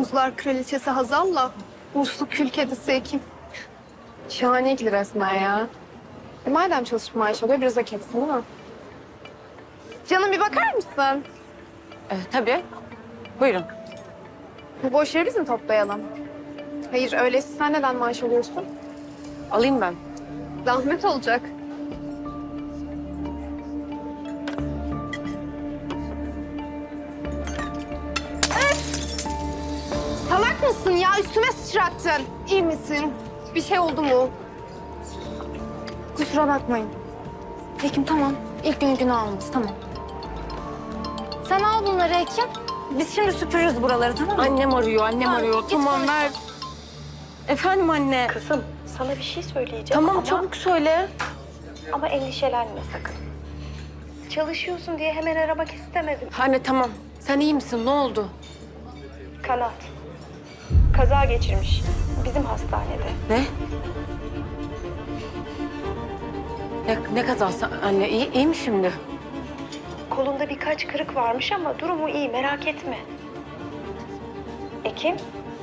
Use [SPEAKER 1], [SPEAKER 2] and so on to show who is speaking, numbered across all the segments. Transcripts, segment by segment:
[SPEAKER 1] Buzlar kraliçesi Hazal'la Uslu kül kedisi Ekim. Şahane ikili resmen ya. Madem çalışıp maaş alıyor biraz hak etsin değil mi? Canım bir bakar mısın?
[SPEAKER 2] Tabii. Buyurun.
[SPEAKER 1] Bu boş yeri biz mi toplayalım? Hayır öyleyse sen neden maaş alıyorsun?
[SPEAKER 2] Alayım ben.
[SPEAKER 1] Zahmet olacak. Salak mısın ya? Üstüme sıçrattın. İyi misin? Bir şey oldu mu?
[SPEAKER 3] Kusura bakmayın. Ekim tamam. İlk günü almış tamam. Sen al bunları Ekim. Biz şimdi süpürürüz buraları tamam mı?
[SPEAKER 2] Annem arıyor.
[SPEAKER 3] Git
[SPEAKER 2] Tamam
[SPEAKER 3] konuş.
[SPEAKER 2] ver. Efendim anne.
[SPEAKER 4] Kızım, sana bir şey söyleyeceğim
[SPEAKER 2] Tamam
[SPEAKER 4] ama,
[SPEAKER 2] çabuk söyle.
[SPEAKER 4] ama endişelenme sakın. Çalışıyorsun diye hemen aramak istemedim.
[SPEAKER 2] Anne tamam. Sen iyi misin? Ne oldu?
[SPEAKER 4] Kanat. Kaza geçirmiş. Bizim hastanede.
[SPEAKER 2] Ne? Ne kazası anne? İyi mi şimdi?
[SPEAKER 4] Kolunda birkaç kırık varmış ama durumu iyi, merak etme. Ekim?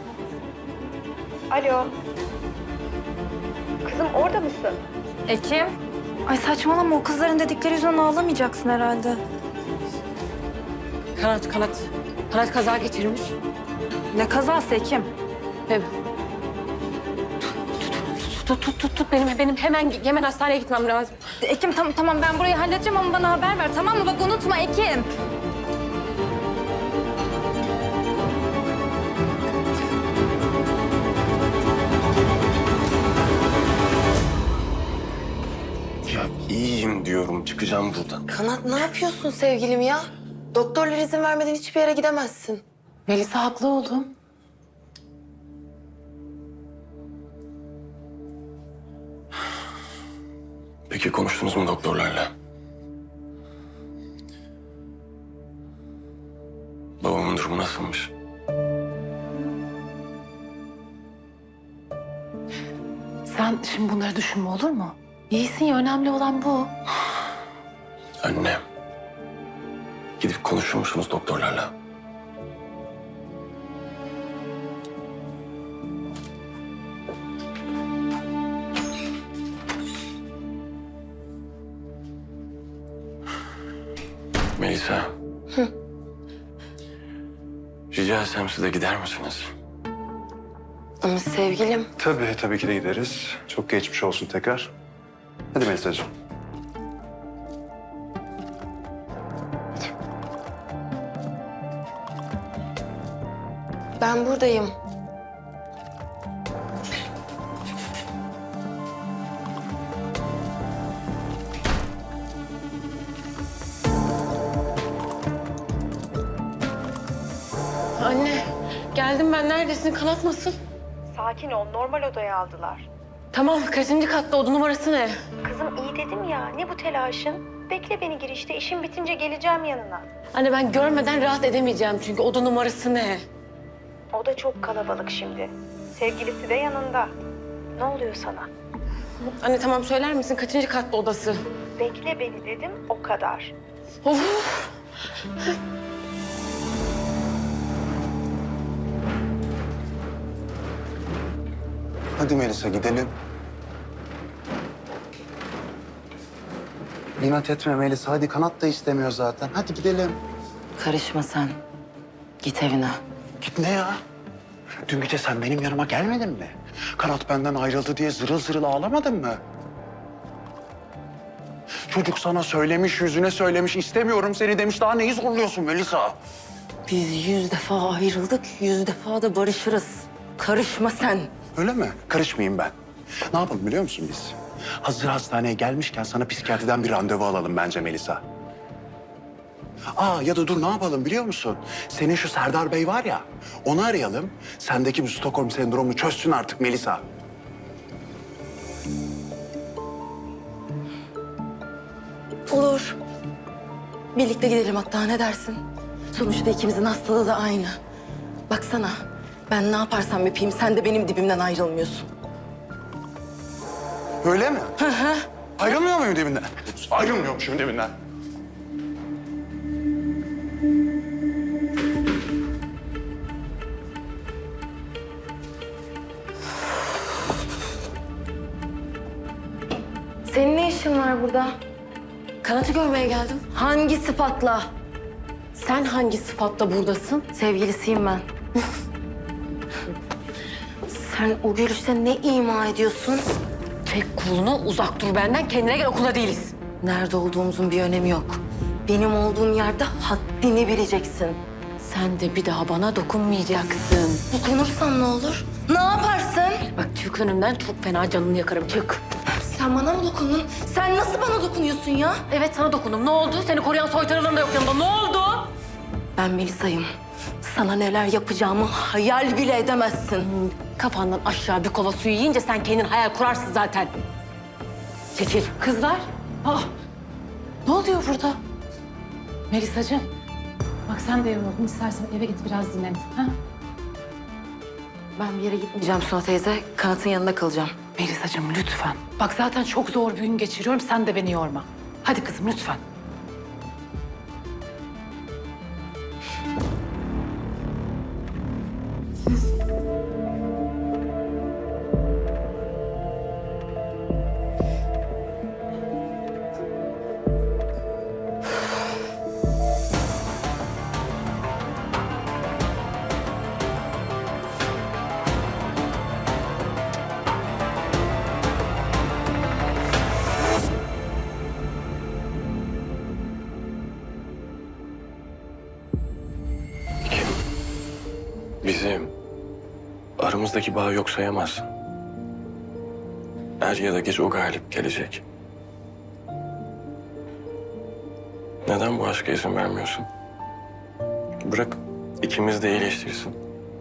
[SPEAKER 4] Alo? Kızım orada mısın?
[SPEAKER 3] Ekim. Ay saçmalama o kızların dedikleri yüzünden ağlamayacaksın herhalde.
[SPEAKER 2] Kanat kaza geçirmiş.
[SPEAKER 3] Ne kazası Ekim?
[SPEAKER 2] Evet. Tut. Benim hemen hastaneye gitmem lazım.
[SPEAKER 3] Ekim tamam ben burayı halledeceğim ama bana haber ver tamam mı? Bak unutma Ekim.
[SPEAKER 5] Ya iyiyim diyorum, çıkacağım buradan.
[SPEAKER 6] Kanat ne yapıyorsun sevgilim ya? Doktorlar izin vermeden hiçbir yere gidemezsin.
[SPEAKER 2] Melisa haklı oğlum.
[SPEAKER 5] Peki konuştunuz mu doktorlarla? Babamın durumu nasılmış?
[SPEAKER 2] Sen şimdi bunları düşünme olur mu? İyisin ya önemli olan bu.
[SPEAKER 5] Anne, gidip konuşur musunuz doktorlarla? Melisa. Rica etsem siz de gider misiniz?
[SPEAKER 6] Ama sevgilim
[SPEAKER 7] Tabii ki de gideriz. Çok geçmiş olsun tekrar. Hadi Melisa'cığım.
[SPEAKER 6] ben buradayım.
[SPEAKER 2] Anne geldim ben. Neredesin? Kanat nasıl?
[SPEAKER 4] Sakin ol, normal odaya aldılar.
[SPEAKER 2] Tamam kaçıncı katta oda numarası ne?
[SPEAKER 4] Kızım iyi dedim ya, ne bu telaşın? Bekle beni girişte, işim bitince geleceğim yanına.
[SPEAKER 2] Anne ben görmeden rahat edemeyeceğim çünkü oda numarası ne?
[SPEAKER 4] O da çok kalabalık şimdi. Sevgilisi de yanında. Ne oluyor sana?
[SPEAKER 2] Anne tamam söyler misin kaçıncı katta odası?
[SPEAKER 4] Bekle beni dedim, o kadar.
[SPEAKER 2] Of.
[SPEAKER 7] Hadi Melisa gidelim. İnat etme Melisa. Hadi Kanat da istemiyor zaten. Hadi gidelim.
[SPEAKER 6] Karışma sen. Git evine.
[SPEAKER 7] Git ne ya? Dün gece sen benim yanıma gelmedin mi? Kanat benden ayrıldı diye zırıl zırıl ağlamadın mı? Çocuk sana söylemiş, yüzüne söylemiş, istemiyorum seni demiş. Daha neyi zorluyorsun Melisa?
[SPEAKER 6] Biz 100 defa ayrıldık, 100 defa da barışırız. Karışma sen.
[SPEAKER 7] Öyle mi? Karışmayayım ben. Ne yapalım biliyor musun biz? Hazır hastaneye gelmişken sana psikiyatriden bir randevu alalım bence Melisa. Ya da dur ne yapalım biliyor musun? Senin şu Serdar Bey var ya, onu arayalım. Sendeki bu Stockholm sendromunu çözsün artık Melisa.
[SPEAKER 6] Olur. Birlikte gidelim hatta ne dersin? Sonuçta ikimizin hastalığı da aynı. Baksana ben ne yaparsam yapayım sen de benim dibimden ayrılmıyorsun.
[SPEAKER 7] Öyle mi? Ayrılmıyor muyum dibinden? Ayrılmıyormuşum dibinden.
[SPEAKER 6] Senin ne işin var burada?
[SPEAKER 2] Kanat'ı görmeye geldim.
[SPEAKER 6] Hangi sıfatla?
[SPEAKER 2] Sen hangi sıfatla buradasın?
[SPEAKER 6] Sevgilisiyim ben. Sen o gülüşte ne ima ediyorsun?
[SPEAKER 2] Çek kolunu, uzak dur benden. Kendine gel, okulda değiliz.
[SPEAKER 6] Nerede olduğumuzun bir önemi yok. Benim olduğum yerde haddini bileceksin.
[SPEAKER 2] Sen de bir daha bana dokunmayacaksın.
[SPEAKER 6] Dokunursam ne olur? Ne yaparsın?
[SPEAKER 2] Bak çık önümden, çok fena canını yakarım. Çık.
[SPEAKER 6] Sen bana mı dokundun? Sen nasıl bana dokunuyorsun ya?
[SPEAKER 2] Evet, sana dokundum. Ne oldu? Seni koruyan soytarıların da yok yanımda. Ne oldu?
[SPEAKER 6] Ben Melisa'yım. Sana neler yapacağımı hayal bile edemezsin.
[SPEAKER 2] Kafandan aşağı bir kova suyu yiyince sen kendin hayal kurarsın zaten. Çekil. Kızlar. Ne oluyor burada? Melisacığım. Bak sen de yoruldun. İstersen eve git biraz dinlen. Ha?
[SPEAKER 6] Ben bir yere gitmeyeceğim Suna teyze. Kanat'ın yanında kalacağım.
[SPEAKER 2] Melisacığım lütfen. Bak zaten çok zor bir gün geçiriyorum. Sen de beni yorma. Hadi kızım lütfen.
[SPEAKER 5] Bizim aramızdaki bağı yok sayamazsın. Er ya da geç o galip gelecek. Neden bu aşka izin vermiyorsun? Bırak ikimiz de iyileştirsin.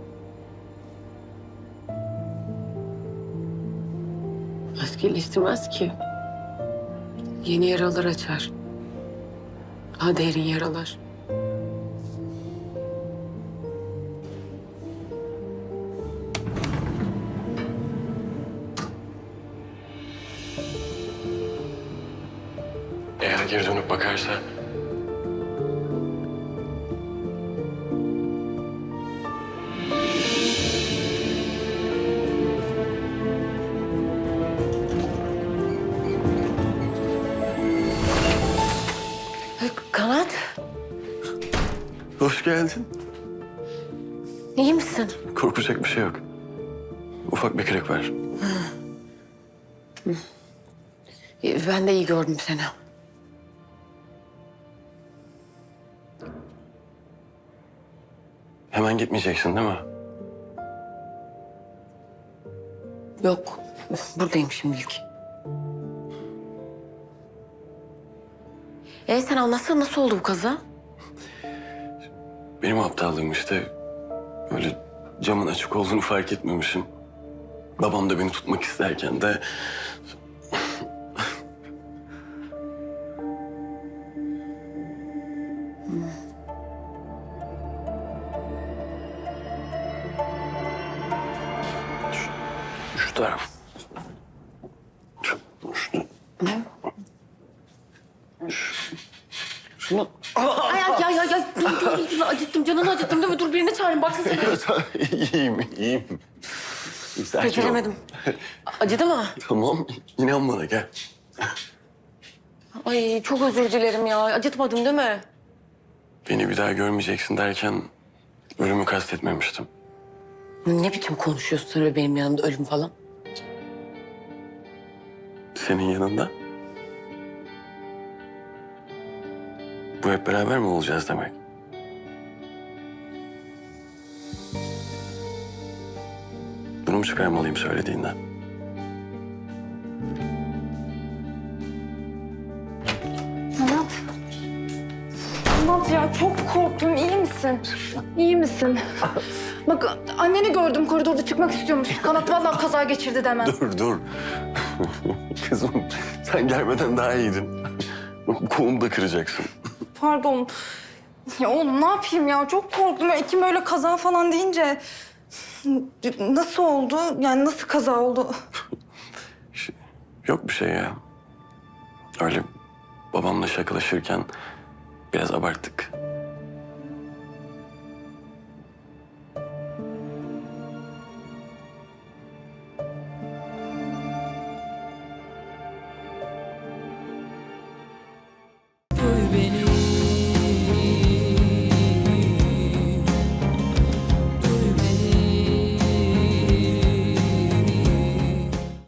[SPEAKER 8] Aşk iyileştirmez ki. Yeni yaralar açar. Daha derin yaralar.
[SPEAKER 5] Eğer geri dönüp bakarsa...
[SPEAKER 2] Kanat,
[SPEAKER 5] Hoş geldin.
[SPEAKER 2] iyi misin?
[SPEAKER 5] Korkacak bir şey yok. Ufak bir kırık var.
[SPEAKER 2] Ben de iyi gördüm seni.
[SPEAKER 5] Hemen gitmeyeceksin değil mi?
[SPEAKER 2] Yok, buradayım şimdilik. Sen anlatsana nasıl oldu bu kaza?
[SPEAKER 5] Benim aptallığım işte. Öyle camın açık olduğunu fark etmemişim. Babam da beni tutmak isterken de... Şu taraf. Şu. Şunu...
[SPEAKER 2] Ay, dur, acıttım, canını acıttım değil mi? Dur birini çağırayım, baksana.
[SPEAKER 5] iyiyim. Sakin ol.
[SPEAKER 2] Beceremedim. Acıdı mı?
[SPEAKER 5] Tamam, inan bana gel.
[SPEAKER 2] Ay çok özür dilerim ya, acıtmadım değil mi?
[SPEAKER 5] Beni bir daha görmeyeceksin derken ölümü kastetmemiştim.
[SPEAKER 2] Ne biçim konuşuyorsun sen öyle benim yanımda ölüm falan?
[SPEAKER 5] Senin yanında. Bu hep beraber mi olacağız demek? Bunu mu çıkarmalıyım söylediğinden?
[SPEAKER 3] Kanat. Kanat ya çok korktum. İyi misin? İyi misin? Bak anneni gördüm koridorda çıkmak istiyormuş. Kanat vallahi kaza geçirdi demem.
[SPEAKER 5] Dur. Kızım sen gelmeden daha iyiydin. Kolumu da kıracaksın.
[SPEAKER 3] Pardon. Ya oğlum ne yapayım ya? Çok korktum. Ekim öyle kaza falan deyince... Nasıl oldu? Yani nasıl kaza oldu?
[SPEAKER 5] Yok bir şey ya. Öyle babamla şakalaşırken biraz abarttık.